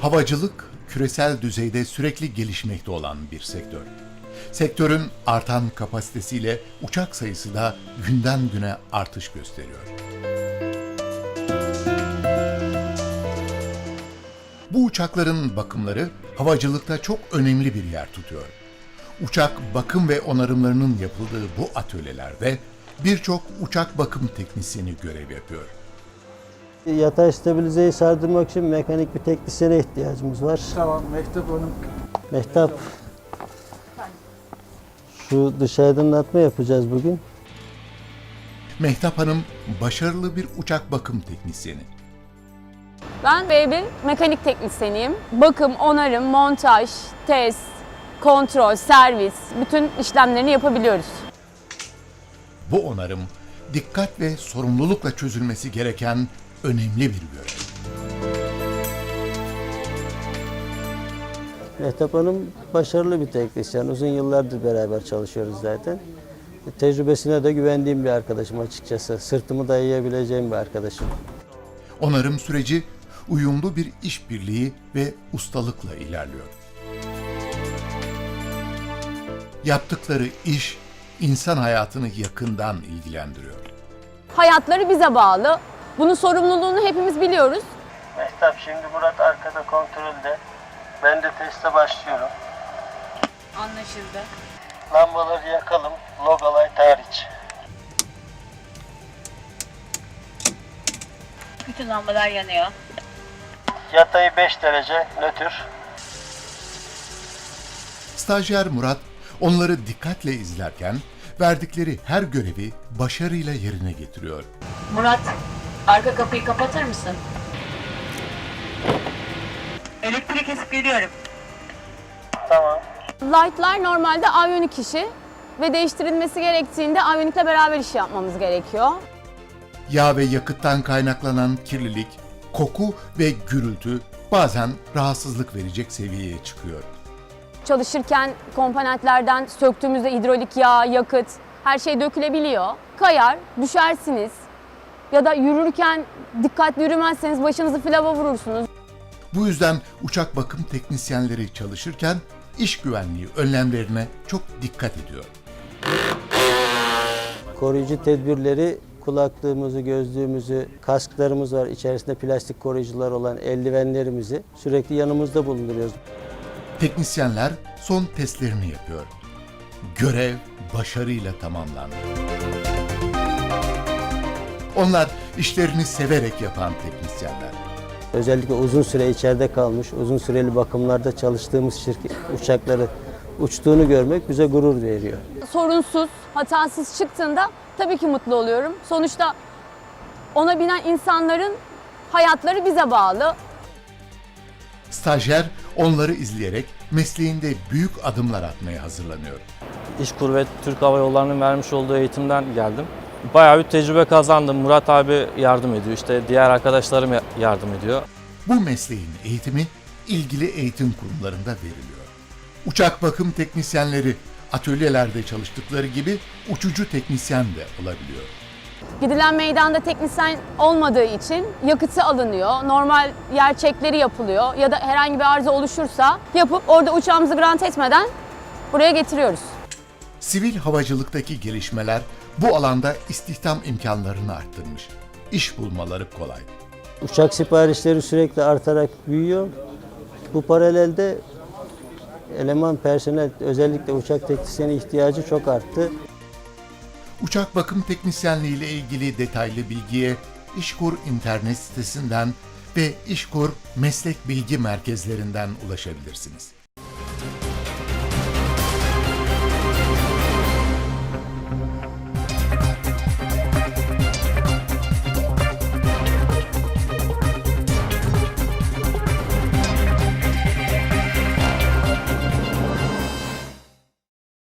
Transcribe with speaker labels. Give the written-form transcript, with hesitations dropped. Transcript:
Speaker 1: Havacılık, küresel düzeyde sürekli gelişmekte olan bir sektör. Sektörün artan kapasitesiyle uçak sayısı da günden güne artış gösteriyor. Bu uçakların bakımları havacılıkta çok önemli bir yer tutuyor. Uçak bakım ve onarımlarının yapıldığı bu atölyelerde birçok uçak bakım teknisyeni görev yapıyor.
Speaker 2: Yatay stabilizeyi sardırmak için mekanik bir teknisyene ihtiyacımız var.
Speaker 3: Tamam, Mehtap Hanım.
Speaker 2: Mehtap, şu dış aydınlatma yapacağız bugün.
Speaker 1: Mehtap Hanım başarılı bir uçak bakım teknisyeni.
Speaker 4: Ben B1 mekanik teknisyeniyim. Bakım, onarım, montaj, test, kontrol, servis, bütün işlemlerini yapabiliyoruz.
Speaker 1: Bu onarım dikkat ve sorumlulukla çözülmesi gereken önemli bir görev.
Speaker 2: Mehtap Hanım başarılı bir teknisyen. Uzun yıllardır beraber çalışıyoruz zaten. Tecrübesine de güvendiğim bir arkadaşım açıkçası. Sırtımı dayayabileceğim bir arkadaşım.
Speaker 1: Onarım süreci uyumlu bir işbirliği ve ustalıkla ilerliyor. Yaptıkları iş insan hayatını yakından ilgilendiriyor.
Speaker 4: Hayatları bize bağlı. Bunun sorumluluğunu hepimiz biliyoruz.
Speaker 2: Mehtap, şimdi Murat arkada kontrolde. Ben de teste başlıyorum.
Speaker 4: Anlaşıldı.
Speaker 2: Lambaları yakalım. Logo light hariç.
Speaker 5: Bütün lambalar yanıyor.
Speaker 2: Yatayı 5 derece nötr.
Speaker 1: Stajyer Murat onları dikkatle izlerken verdikleri her görevi başarıyla yerine getiriyor.
Speaker 5: Murat, arka kapıyı kapatır mısın? Elektrik kesip geliyorum.
Speaker 2: Tamam.
Speaker 4: Light'lar normalde aviyonik işi ve değiştirilmesi gerektiğinde aviyonikle beraber iş yapmamız gerekiyor.
Speaker 1: Yağ ve yakıttan kaynaklanan kirlilik, koku ve gürültü bazen rahatsızlık verecek seviyeye çıkıyor.
Speaker 4: Çalışırken komponentlerden söktüğümüzde hidrolik yağ, yakıt, her şey dökülebiliyor. Kayar, düşersiniz ya da yürürken dikkatli yürümezseniz başınızı filava vurursunuz.
Speaker 1: Bu yüzden uçak bakım teknisyenleri çalışırken iş güvenliği önlemlerine çok dikkat ediyor.
Speaker 2: Koruyucu tedbirleri, kulaklığımızı, gözlüğümüzü, kasklarımız var. İçerisinde plastik koruyucular olan eldivenlerimizi sürekli yanımızda bulunduruyoruz.
Speaker 1: Teknisyenler son testlerini yapıyor. Görev başarıyla tamamlandı. Onlar işlerini severek yapan teknisyenler.
Speaker 2: Özellikle uzun süre içeride kalmış, uzun süreli bakımlarda çalıştığımız uçakları uçtuğunu görmek bize gurur veriyor.
Speaker 4: Sorunsuz, hatasız çıktığında tabii ki mutlu oluyorum. Sonuçta ona binen insanların hayatları bize bağlı.
Speaker 1: Stajyer onları izleyerek mesleğinde büyük adımlar atmaya hazırlanıyor.
Speaker 6: İşkur ve Türk Hava Yolları'nın vermiş olduğu eğitimden geldim. Bayağı bir tecrübe kazandım. Murat abi yardım ediyor, işte diğer arkadaşlarım yardım ediyor.
Speaker 1: Bu mesleğin eğitimi ilgili eğitim kurumlarında veriliyor. Uçak bakım teknisyenleri atölyelerde çalıştıkları gibi uçucu teknisyen de olabiliyor.
Speaker 4: Gidilen meydanda teknisyen olmadığı için yakıtı alınıyor, normal yer çekleri yapılıyor ya da herhangi bir arıza oluşursa yapıp orada uçağımızı grant etmeden buraya getiriyoruz.
Speaker 1: Sivil havacılıktaki gelişmeler bu alanda istihdam imkanlarını arttırmış. İş bulmaları kolay.
Speaker 2: Uçak siparişleri sürekli artarak büyüyor. Bu paralelde eleman, personel, özellikle uçak teknisyeni ihtiyacı çok arttı.
Speaker 1: Uçak bakım teknisyenliği ile ilgili detaylı bilgiye İşkur internet sitesinden ve İşkur meslek bilgi merkezlerinden ulaşabilirsiniz.